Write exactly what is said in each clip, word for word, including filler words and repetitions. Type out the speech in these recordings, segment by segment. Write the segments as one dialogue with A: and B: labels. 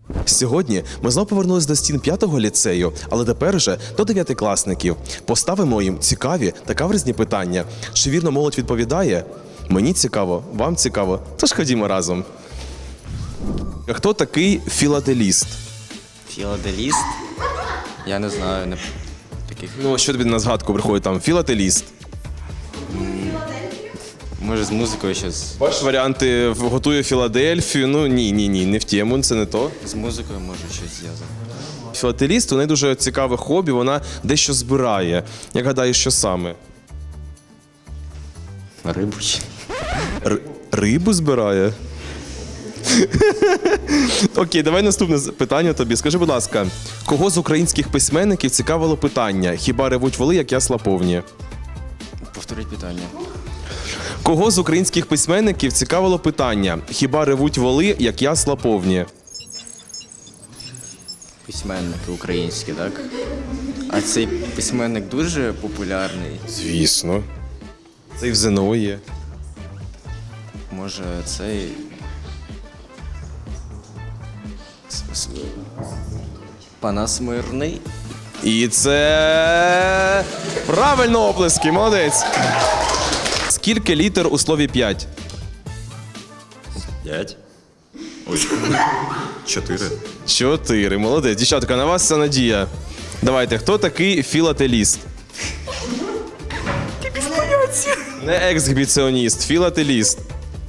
A: Сьогодні ми знову повернулись до стін п'ятого ліцею, але тепер вже до дев'ятикласників. Поставимо їм цікаві та каверзні питання. Чи вірно молодь відповідає? Мені цікаво, вам цікаво, тож ходімо разом. Хто такий філателіст?
B: Філаделіст? Я не знаю, не таких.
A: Ну, що тобі на згадку приходить там? Філателіст.
B: Може з музикою щось.
A: Бачиш варіанти готує Філадельфію. Ну ні, ні, ні, не в тему, це не то.
B: З музикою може щось зв'язано.
A: Філателіст, у неї дуже цікаве хобі, вона дещо збирає. Як гадаєш, що саме?
B: Рибу чи?
A: Р- рибу збирає? Окей, давай наступне питання тобі. Скажи, будь ласка, кого з українських письменників цікавило питання «Хіба ревуть воли, як ясла повні»?
B: Повторіть питання.
A: Кого з українських письменників цікавило питання «Хіба ревуть воли, як ясла повні»?
B: Письменники українські, так? А цей письменник дуже популярний.
A: Звісно. Це і в ЗНО є.
B: Може, цей. С- с- Панас Мирний?
A: І це правильно оплески, молодець. Скільки літер у слові п'ять?
C: П'ять. Ой. Чотири.
A: Чотири. Молодець. Дівчатка, на вас вся надія. Давайте, хто такий філателіст? Не ексгібіціоніст, філателіст.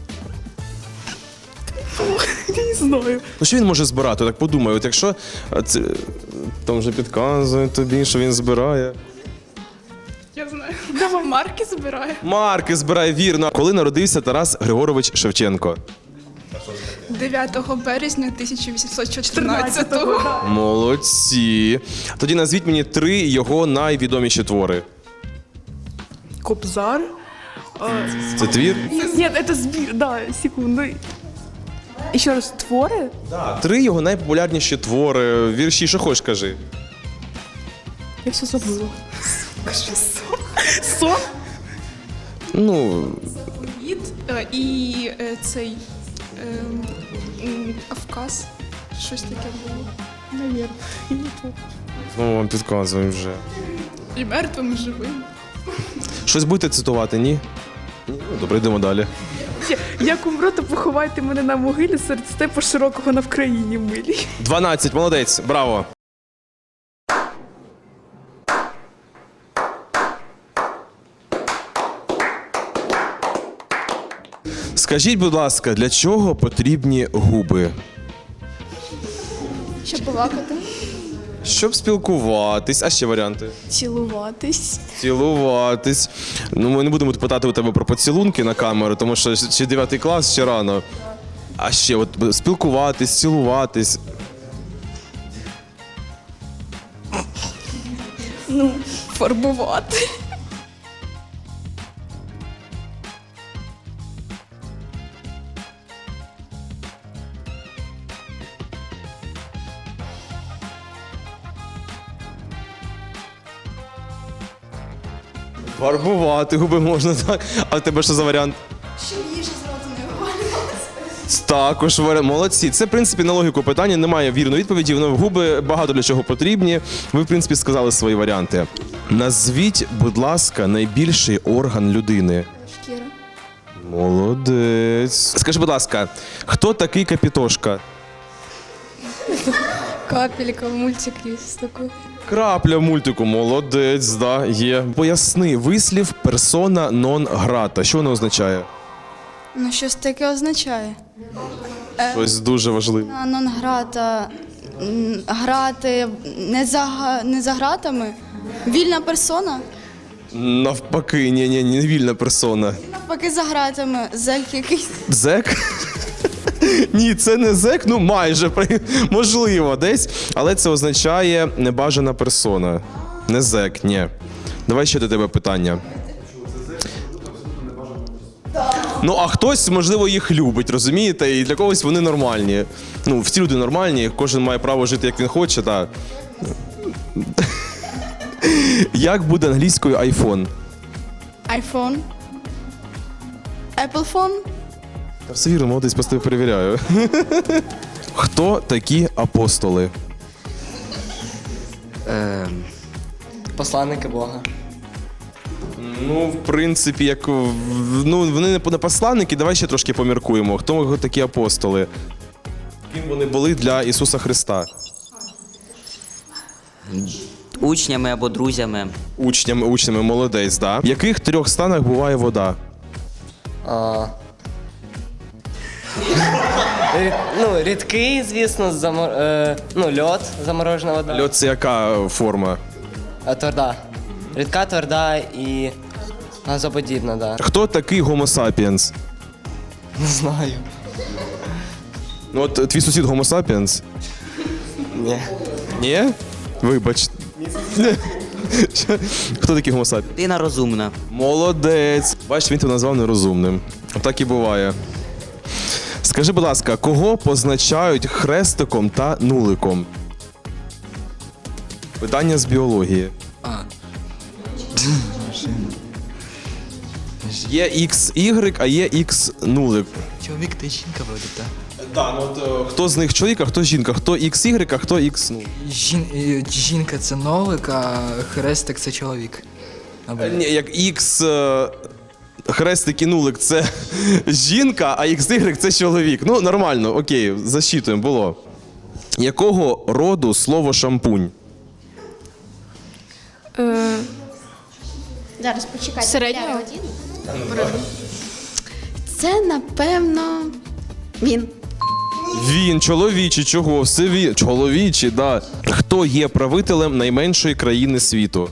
D: Я не знаю.
A: Ну що він може збирати? Так подумай, от якщо а, це, там вже підказує тобі, що він збирає.
D: Я знаю. Давай марки збирає.
A: Марки збирає, вірно. Коли народився Тарас Григорович Шевченко?
D: дев'ятого березня тисяча вісімсот чотирнадцятого.
A: Молодці. Тоді назвіть мені три його найвідоміші твори.
E: Кобзар.
A: Це твір?
E: Нет, это сбир, да, секунду. Еще раз, творы?
A: Три його найпопулярніші твори. Вірші, що хочеш, кажи.
E: Я все забыла. Сон?
A: Ну,
D: Від е, і е, цей е, м, Кавказ. Щось таке було.
E: Наверное. Я не помню.
A: знову вам підказуємо вже.
D: І мертвим, і живим.
A: Щось будете цитувати, ні? Ні? Ну, добре, йдемо далі.
E: Як умру, то поховайте мене на могилі серед степу широкого на Вкраїні милій.
A: дванадцять, молодець, браво. Скажіть, будь ласка, для чого потрібні губи?
F: Щоб балакати,
A: Щоб спілкуватись, а ще варіанти?
F: цілуватись.
A: Цілуватись. Ну, ми не будемо питати у тебе про поцілунки на камеру, тому що ще дев'ятий клас, ще рано. А ще от спілкуватись, цілуватись.
F: Ну, фарбувати.
A: Фарбувати губи можна, так. А в тебе що за варіант?
F: Щоб їжа з роту не вивалювалася.
A: Також варіант. Молодці. Це, в принципі, на логіку питання. Немає вірної відповіді. Воно губи багато для чого потрібні. Ви, в принципі, сказали свої варіанти. Назвіть, будь ласка, найбільший орган людини.
F: Шкіра.
A: Молодець. Скажи, будь ласка, хто такий Капітошка?
F: Капелька, мультик є такий.
A: Крапля в мультику. Молодець, да, є. Поясни вислів персона нон грата. Що воно означає?
F: Ну, щось таке означає.
A: Щось дуже важливе.
F: А нон-грата, м, грати не за, га- не за гратами. Вільна персона.
A: Навпаки, ні, ні, не вільна персона.
F: Навпаки, за гратами. Зек якийсь.
A: Зек? Ні, це не зек, ну майже, при- можливо, десь. Але це означає небажана персона. Не зек, ні. Давай ще до тебе питання. Ну, а хтось, можливо, їх любить, розумієте? І для когось вони нормальні. Ну, всі люди нормальні, кожен має право жити, як він хоче, так. Як буде англійською айфон?
F: Айфон. Apple phone.
A: Та все вірно, молодець, просто перевіряю. Хто такі апостоли?
B: Е,
G: Посланники Бога.
A: Ну, в принципі, як в- ну, вони не посланники, давай ще трошки поміркуємо. Хто такі апостоли? Ким вони були для Ісуса Христа?
H: Учнями або друзями.
A: Учнями, учнями, молодець, да. В яких трьох станах буває вода?
G: А... Рід- ну, рідкий, звісно, замор... е, ну, льод, заморожена вода.
A: Льод це яка форма?
G: А, тверда. Рідка, тверда і газоподібна, да.
A: Хто такий Homo sapiens?
G: Не знаю.
A: Ну от твій сусід Homo sapiens?
G: Ні.
A: Ні? Вибач. Хто такий Homo sapiens?
H: Людина розумна.
A: Молодець. Бачиш, він тебе назвав нерозумним. Так і буває. Скажи, будь ласка, кого позначають хрестиком та нуликом? Питання з біології. Є ікс ігрек, а є ікс нулик.
I: Чоловік та жінка вроде, так.
A: Так, ну от е, хто з них чоловік, а хто жінка? Хто ікс ігрек, а хто ікс нулик?
I: Жін... е, Жінка це нолик, а хрестик це чоловік. Або...
A: Ні, як ікс е, хрестик і нулик це жінка, а ікс ігрек це чоловік. Ну, нормально, окей, засчитуємо, було. Якого роду слово шампунь?
D: Е,
F: Зараз почекайте.
D: Середнього?
F: я один. Це, напевно, він.
A: Він, чоловічий, чого? Все він. Чоловічий, да. Хто є правителем найменшої країни світу?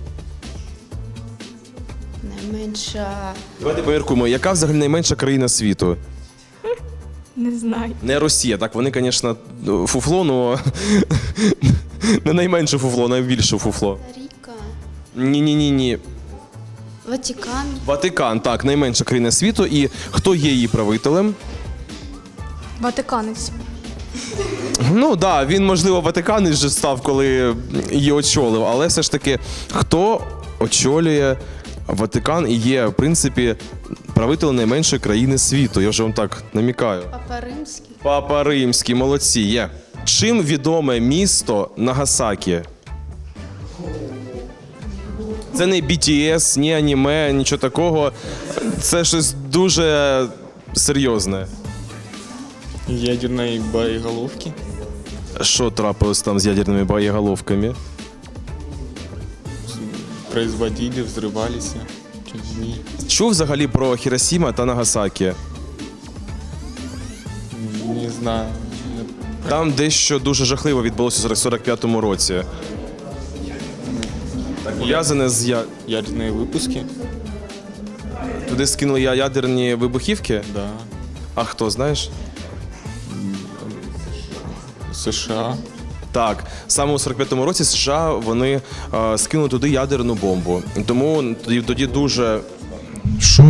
F: Найменша.
A: Давайте поміркуємо, яка взагалі найменша країна світу?
D: не знаю.
A: Не Росія, так вони, звісно, фуфло, але не найменше фуфло, найбільше фуфло.
F: Ріка.
A: Ні-ні-ні-ні.
F: Ватикан.
A: Ватикан, так, найменша країна світу. І хто є її правителем?
D: Ватиканець.
A: Ну так, да, він, можливо, Ватиканець вже став, коли її очолив, але все ж таки, хто очолює Ватикан і є, в принципі, правителем найменшої країни світу? Я вже вам так намікаю.
F: Папа Римський.
A: Папа Римський, молодці, є. Чим відоме місто Нагасакі? Це не бі ті ес, ні аніме, нічого такого. Це щось дуже серйозне.
J: Ядерной боеголовки.
A: Що трапилось там з ядерними боєголовками?
J: Производили, взрывались людьми.
A: Чув взагалі про Хіросіма та Нагасакі?
J: Не знаю.
A: Там дещо дуже жахливо відбулося у сорок п'ятому році. Так, пов'язане з я...
J: Ядерные выпуски?
A: Туди скинули я- ядерні вибухівки?
J: Да.
A: А хто, знаєш?
J: США.
A: Так, саме у сорок п'ятому році США вони е, скинули туди ядерну бомбу. Тому тоді, тоді дуже. Що?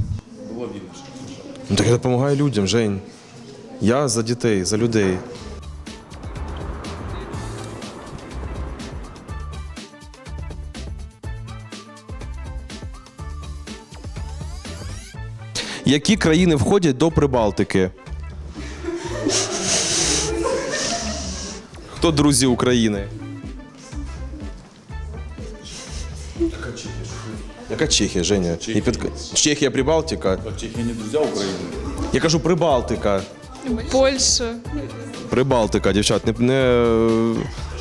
A: Ну так я допомагаю людям, Жень. Я за дітей, за людей. Які країни входять до Прибалтики? Хто друзі України? Яка Чехія, Женя? Чехія, під... Чехія Прибалтика?
C: Чехия не друзья Украины.
A: Я кажу Прибалтика.
D: Польща.
A: Прибалтика, дівчат, не. не...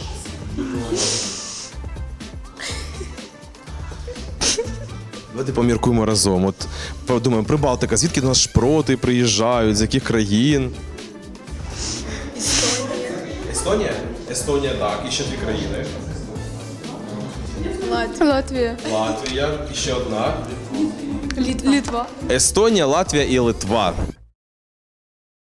A: Давайте поміркуємо разом. От подумаємо, Прибалтика, звідки до нас шпроти приїжджають, з яких країн? Естонія. Естонія? Естонія, так. І ще дві країни.
D: Латвія.
A: Латвія, і ще одна.
D: Літ- Літва.
A: Естонія, Латвія і Литва.